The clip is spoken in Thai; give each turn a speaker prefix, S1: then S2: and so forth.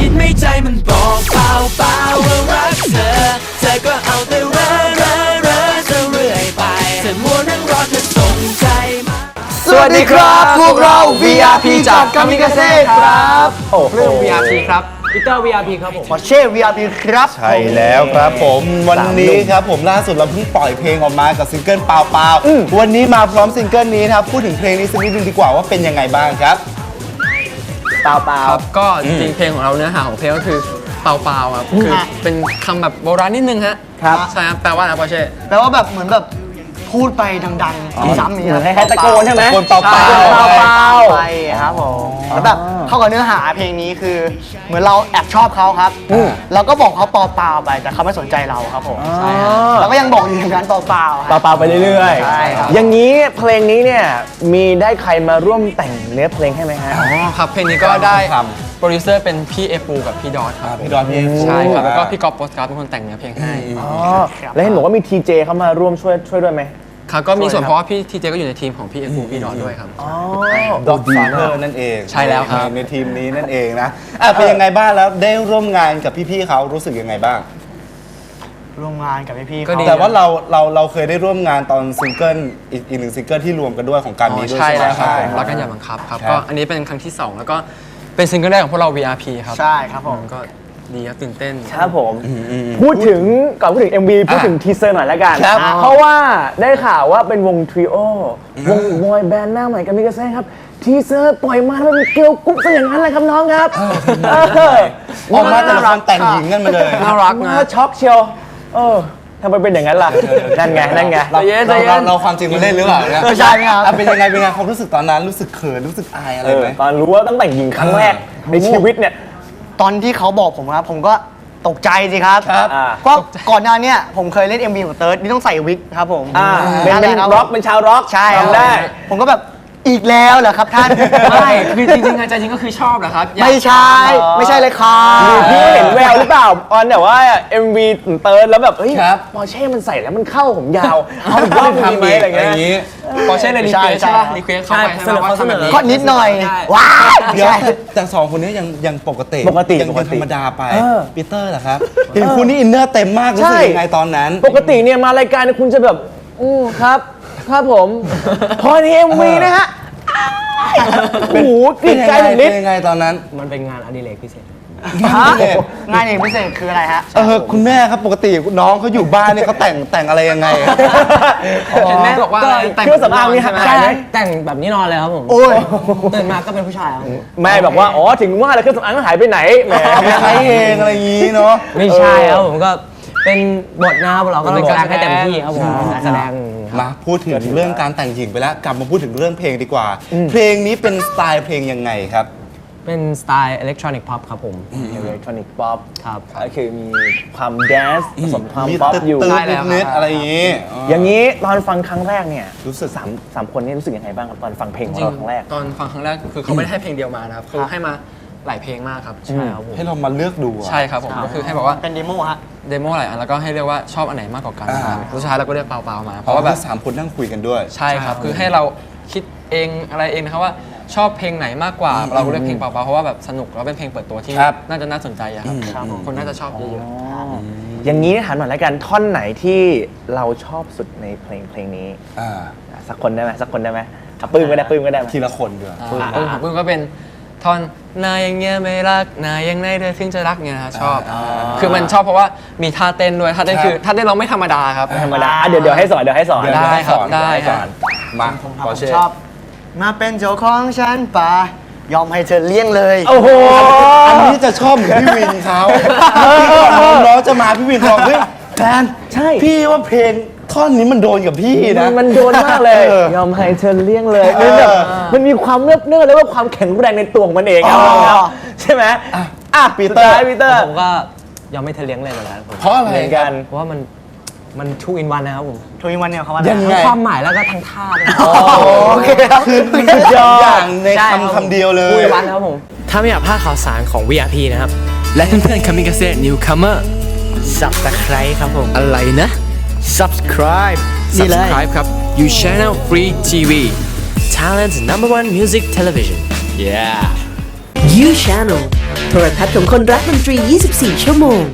S1: คิดไม่ใจมันบอกเปล่าว่ารักเธอก็เอาแต่เร่อเรื่อยไปเธอมัวนั่งรอเธอส่งใจมา
S2: สวัสดีครับพวกเรา VRP จากกามิกาเซ่ครับ
S3: เรื่อง VRP ครับปีเตอร์ VRP ครับผม
S2: พอเช่ VRP ครับ
S4: ใช่แล้วครับผมวันนี้ครับผมล่าสุดเราเพิ่งปล่อยเพลงออกมากับซิงเกิลเปล่าวันนี้มาพร้อมซิงเกิลนี้นะครับพูดถึงเพลงนี้สักนิดนึงดีกว่าว่าเป็นยังไงบ้างครับ
S2: เปล่า
S3: ครับก็จริงๆเพลงของเราเนื้อหาของเพลงก็คือเปล่าครับคือเป็นคำแบบโบราณนิดนึงฮะ
S2: ครับ
S3: ใช่ครับแปลว่าอะไรพอเช่
S2: แปลว่าแบบเหมือนแบบพูดไปดังๆซ้ำๆนี่
S4: ให้ตะโกนใช่ไหมตะโกนเปล่า
S2: ไปครับผมแล้วแบบเข้ากับเนื้อหาเพลงนี้คือเหมือนเราแอบชอบเขาครับเราก็บอกเขาเปล่าไปแต่เขาไม่สนใจเราครับผมใช่เราก็ยังบอกอยู่อย่างนั้นเปล่า
S4: ไปเรื่อย
S2: ๆใช่ครับ
S4: อย่างนี้เพลงนี้เนี่ยมีได้ใครมาร่วมแต่งเนื้อเพลงให้ไหมฮะ
S3: ครับเพลงนี้ก็ได้โปรดิวเซอร์เป็นพี่เอปูกับพี่ดอทครับ
S4: พี่ดอท
S3: ใช่ครับแล้วก็พี่กอล์ฟโปสการ์ดเป็นคนแต่งเนื้อเพลงให้
S4: แล้วเห็นบอกว่ามีทีเจเข้ามาร่วมช่วยด้วยไหม
S3: ครับก็มีส่วนเพราะว่าพี่ทีเจก็อยู่ในทีมของพี่เอปูพี่ดอทด้วยครับ
S4: ดอทฟาเธอร์นั่นเอง
S3: ใช่แล้วครับ
S4: ในทีมนี้นั่นเองนะเป็นยังไงบ้างแล้วได้ร่วมงานกับพี่ๆเขารู้สึกยังไงบ้าง
S2: ร่วมงานกับพี่ๆเขา
S4: แต่ว่าเราเคยได้ร่วมงานตอนซิงเกิลอีกหนึ่งซิงเกิลที่รวมกันด้วยของการนี้ด้วย
S3: ใช่แล้วครับรักกันอย่าบังคับครับก็อันนี้เป็นครั้งที่2แล้วก็เป็นซิงเกิลแรกของพวกเรา VRP ครับ
S2: ใช่ครับผม
S3: ก็ดีครับตื่นเต้น
S4: ครับผมพูดถึงMV พูดถึงทีเซอร์หน่อยแล้วกันเพราะว่าได้ข่าวว่าเป็นวงทริโอวงบอยแบนด์หน้าใหม่กามิกาเซ่ครับทีเซอร์ปล่อยมาแล้วเป็นเกลียวกุ๊บซะอย่างนั้นเลยครับน้องครับออกมาแต่ละคนแต่งหญิงกันมาเลย
S3: น่ารักนะ
S4: ช็อกเชียวทำไมเป็นอย่างนั้นล่ะนั่นไงเราความจริงมาเล่นหรือเปล่าเนี่ย
S2: ใช่ครับ
S4: เป็นยังไงความรู้สึกตอนนั้นรู้สึกเขินรู้สึกอายอะไรไหมตอนรู้ว่าต้องแต่งหญิงครั้งแรกในชีวิตเนี่ย
S2: ตอนที่เขาบอกผมครับผมก็ตกใจสิครับก็ก่อนหน้านี้ผมเคยเล่น MV ของเติร์ดนี่ต้องใส่วิกครับผม
S4: เป็นร็อกเป็นชาวร็อก
S2: ใช่ได้ผมก็แบบอีกแล้วเหรอครับท่าน
S3: ไม่คือจริงๆใจจริงก็คือชอบเหรอครับ
S2: ไม่ใช่เลยครับ
S4: พี่เห็นแววหรือเปล่าตอนแต่ว่า MV เติร์ดแล้วแบบเฮ้ยปอร์เช่มันใส่แล้วมันเข้าผมยาวเอาอีกรอบทำไหมอะไรอย่างงี้
S3: ปอร์เช่เลยรีเควสใช่ป่ะรีเควสเข้าไป
S2: เสนอเขาเสนอก็นิดหน่อยว้า
S4: เดี๋ยวแต่สองคนนี้ยังปกติยังธรรมดาไปปีเตอร์เหรอครับเห็นคุณนี่อินเนอร์เต็มมากรู้สึกยังไงตอนนั้นปกติเนี่ยมารายการคุณจะแบบครับผมพอใน MV นะฮะโอ้โหกลิ่นใจนิด
S3: ยังไงตอนนั้นมันเป็นงานอดิเรกพิเศษ
S2: งานเองพิเศษคืออะไรฮะ
S4: คุณแม่ครับปกติน้องเขาอยู่บ้านเนี่ยเขาแต่งอะไรยังไง
S3: แม่บอกว่า
S4: แต่งเครื่องสำอางนี่หายไหม
S3: แต่งแบบนี้นอนเลยครับผมตื่นมาก็เป็นผู้ชาย
S4: แม่บอกว่าถึงว่าแล้วเครื่องสำอางหายไปไหนแหมใช้เองอะไรอย่างนี้เนาะ
S3: ไม่ใช่ครับผมก็เป็นบทนะครับเราก็เป็นการให้เต็มที่ครับผมแสดง
S4: มาพูดถึงเรื่องการแต่งหญิงไปแล้วกลับมาพูดถึงเรื่องเพลงดีกว่าเพลงนี้เป็นสไตล์เพลงยังไงครับ
S3: เป็นสไตล์อิเล็กทรอนิกส์พ็อปครับผม
S4: อิเล็กทรอนิกส์ป๊อป
S3: ครับ
S4: ก็คือมีความแดนซ์ผสมความป๊อปอยู่
S3: ใช่แล้ว
S4: นิดอะไรอย่างนี้อย่างนี้ตอนฟังครั้งแรกเนี่ยรู้สึกสามคนนี้รู้สึกยังไงบ้างครับตอนฟังเพลงของเราครั้งแรก
S3: ตอนฟังครั้งแรกคือเขาไม่ได้ให้เพลงเดียวมานะครับคือให้มาหลายเพลงมากครับใช่ครับ
S4: ให้เรามาเลือกดู
S3: ใช่ครับผมก็คือให้บอกว่า
S2: เป็นเดโมฮะ
S3: เดโมหลายอันแล้วก็ให้เรียกว่าชอบอันไหนมากกว่ากันสุดท้ายเราก็เรียกเปล่ามา
S4: เพราะว่าแบบ3คนนั่งคุยกันด้วย
S3: ใช่ครับคือให้เราคิดเองอะไรเองนะครับว่าชอบเพลงไหนมากกว่าเราเลือกเพลงเปล่าเพราะว่าแบบสนุกแล้วเป็นเพลงเปิดตัวที่น่าจะน่าสนใจครับคนน่าจะชอบเยอะ
S4: อย่างนี้ถามหน่อยแล้วกันท่อนไหนที่เราชอบสุดในเพลงนี้สักคนได้ไหมปื้มก็ได้ทีละคนด้วย
S3: ปื้มก็เป็นท่อนนายอย่างเงี้ยไม่รักนายอย่างไหนเธอถึงจะรักเนี่ยนะชอบคือมันชอบเพราะว่ามีท่าเต้นด้วยท่าเต้นคือท่าเต้นเราไม่ธรรมดาครับ
S4: ธรรมดาเดี๋ยวให้สอน
S3: ได้ครับได้
S4: มา
S2: ผมชอบมาเป็นเจ้าของฉันป่ายอมให้เธอเลี้ยงเลย
S4: โอ้โหอันนี้จะชอบเหมือนพี่วินเขาน้องจะมาพี่วินบอกเฮ้ยแฟนใช่พี่ว่าเพลงท่อนนี้มันโดนกับพี่นะมันโดนมากเลยยอมให้เธอเลี้ยงเลยมันมีความเนื้อแล้วว่าความแข็งแรงในตัวของมันเองใช่ไหมปีเตอร์
S3: ผมก็ยอมให้เธอเลี้ยงเลยเหมือนกัน
S4: เพราะอะไรกัน
S3: เพราะว่ามันทูอินวันนะครับผม
S2: ทูอินวันเนี่ยเขาว่า
S3: ความหมายแล้วก็ทั้งท่าด้วย
S4: โอเคคือทุกอย่างในคำเดียวเลย
S3: ทูอินวันครับผมถ้าไม่อยากพลาดข่าวสารของ VRP นะครับและเพื่อนๆ Kamikaze Newcomer
S2: Subscribe ครับผม
S3: อะไรนะ
S2: Subscribe
S3: ครับ You Channel Free TV Thailand's #1 music television
S1: Yeah You Channel
S5: โทรทัศน์ของคนรักดนตรี 24 ชั่วโมง